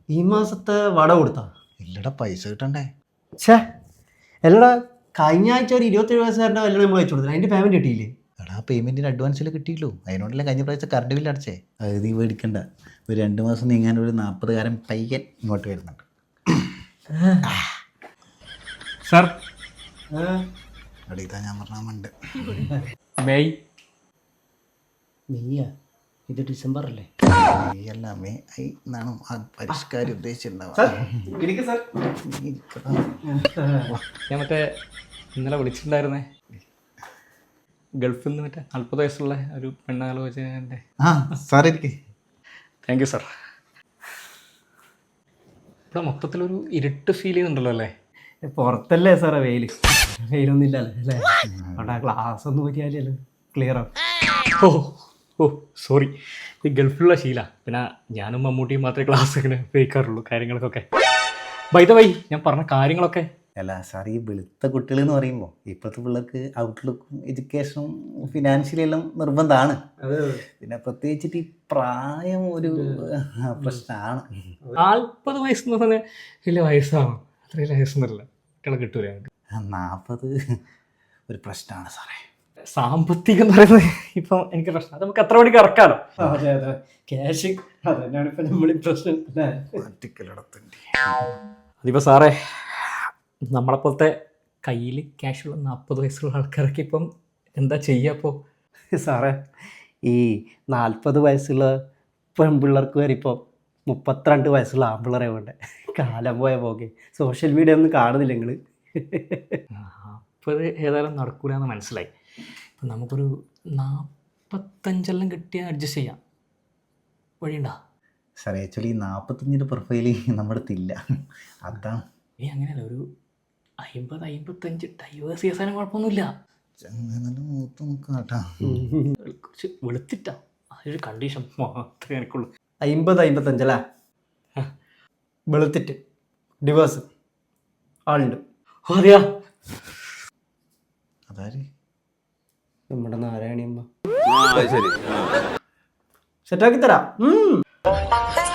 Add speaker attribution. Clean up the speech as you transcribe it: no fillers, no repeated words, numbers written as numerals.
Speaker 1: ഈ മാസത്തെ വട കൊടുത്താ?
Speaker 2: ഇല്ലടാ, പൈസ കിട്ടണ്ടേ.
Speaker 1: ഛേ, അല്ലടാ, കഴിഞ്ഞ ആഴ്ച ഒരു 27 വയസ്സുകാരൻ്റെ കല്യാണം നമ്മൾ അയച്ചു കൊടുത്തത്, അതിൻ്റെ പേയ്മെൻറ്റ് കിട്ടിയില്ലേ?
Speaker 2: എടാ, പേയ്മെൻറ്റിന് അഡ്വാൻസിൽ കിട്ടിയല്ലോ. അതിനോടല്ലേ കഴിഞ്ഞ പ്രാവശ്യത്തെ കറണ്ട് ബില്ല് അടച്ചേ. അത് നീ മേടിക്കണ്ട. ഒരു 2 മാസം നീങ്ങാൻ ഒരു 40-കാരൻ പയ്യൻ ഇങ്ങോട്ട് വരുന്നുണ്ട്.
Speaker 3: സാർ,
Speaker 2: എടാ, ഇതാ ഞാൻ പറഞ്ഞാൽ
Speaker 3: മെയ്
Speaker 1: മെയ്യാ? ഇത് ഡിസംബർ അല്ലേ?
Speaker 2: മെയ്യല്ല, മെയ് എന്നാണ് ആ പരിഷ്കാരം ഉദ്ദേശിച്ചിട്ടുണ്ടാവുക.
Speaker 3: ഞാൻ മറ്റേ ഇന്നലെ വിളിച്ചിട്ടുണ്ടായിരുന്നേ, ഗൾഫിൽ നിന്ന് മറ്റേ 40 വയസ്സുള്ള ഒരു പെണ്ണാലോചനൻ്റെ.
Speaker 2: സാർ ഇരിക്കേ.
Speaker 3: Thank you sir. ഇവിടെ മൊത്തത്തിലൊരു ഇരുട്ട് ഫീൽ ചെയ്യുന്നുണ്ടല്ലോ അല്ലേ?
Speaker 1: പുറത്തല്ലേ സാറേ വെയിലൊന്നും ഇല്ലല്ലോ അല്ലേ? അവിടെ ഗ്ലാസ് ഒന്നും നോക്കിയാലല്ലോ ക്ലിയർ ആവും.
Speaker 3: ഓ സോറി, ഈ ഗൾഫിലുള്ള ശീല. പിന്നെ ഞാനും മമ്മൂട്ടിയും മാത്രമേ ക്ലാസ് ഇങ്ങനെ ഉപയോഗിക്കാറുള്ളൂ കാര്യങ്ങൾക്കൊക്കെ. ബൈ ദ വൈ, ഞാൻ പറഞ്ഞ കാര്യങ്ങളൊക്കെ.
Speaker 2: അല്ല സാർ, ഈ വെളുത്ത കുട്ടികൾ എന്ന് പറയുമ്പോൾ ഇപ്പോഴത്തെ പിള്ളേർക്ക് ഔട്ട്ലുക്കും എഡ്യൂക്കേഷനും ഫിനാൻഷ്യലി എല്ലാം നിർബന്ധമാണ്. പിന്നെ പ്രത്യേകിച്ചിട്ട് ഈ പ്രായം ഒരു പ്രശ്നമാണ്.
Speaker 3: 40 വയസ്സെന്ന് പറഞ്ഞാൽ വലിയ വയസ്സാണ്. അത്രയും വയസ്സൊന്നുമില്ല, കുട്ടികളെ കിട്ടൂല.
Speaker 2: 40 ഒരു പ്രശ്നമാണ് സാറേ.
Speaker 3: സാമ്പത്തികം എന്ന് പറയുന്നത് ഇപ്പം എനിക്ക് പ്രശ്നം. അത് നമുക്ക് എത്ര മണിക്ക് ഇറക്കാലോ?
Speaker 1: അതെ ക്യാഷ് അതന്നെയാണ് ഇപ്പം നമ്മൾ പ്രശ്നം.
Speaker 3: അതിപ്പോൾ സാറേ, നമ്മളെപ്പോലത്തെ കയ്യിൽ ക്യാഷുള്ള 40 വയസ്സുള്ള ആൾക്കാരൊക്കെ ഇപ്പം എന്താ ചെയ്യുക? അപ്പോൾ
Speaker 1: സാറേ, ഈ 40 വയസ്സുള്ള പെൺപിള്ളേർക്ക് വരെ ഇപ്പോൾ 32 വയസ്സുള്ള ആൺപിള്ളേരെ വേണ്ടേ? കാലം പോയ പോകെ. സോഷ്യൽ മീഡിയ ഒന്നും കാണുന്നില്ല നിങ്ങൾ?
Speaker 3: അപ്പോൾ ഇത് ഏതായാലും നടക്കൂല എന്ന് മനസ്സിലായി. ഇപ്പം നമുക്കൊരു 45 കിട്ടിയാൽ അഡ്ജസ്റ്റ് ചെയ്യാം. വഴിയുണ്ടോ
Speaker 2: സാറേ? ആക്ച്വലി 45 പ്രൊഫൈല് നമ്മുടെ അടുത്തില്ല, അതാണ്.
Speaker 3: അങ്ങനെയല്ല, ഒരു 50-55 ഡൈവേഴ്സ് ചെയ്യാൻ കുഴപ്പമൊന്നുമില്ല. കുറച്ച് വെളുത്തിട്ടാ, അതൊരു കണ്ടീഷൻ മാത്രമേ എനിക്കുള്ളൂ.
Speaker 1: 50-55 അല്ലേ? വെളുത്തിട്ട് ഡിവേഴ്സ് ആളുണ്ട്.
Speaker 3: അറിയാ,
Speaker 2: അതാര്?
Speaker 1: നമ്മുടെ നാരായണിയമ്മ. സെറ്റാക്കി തരാം.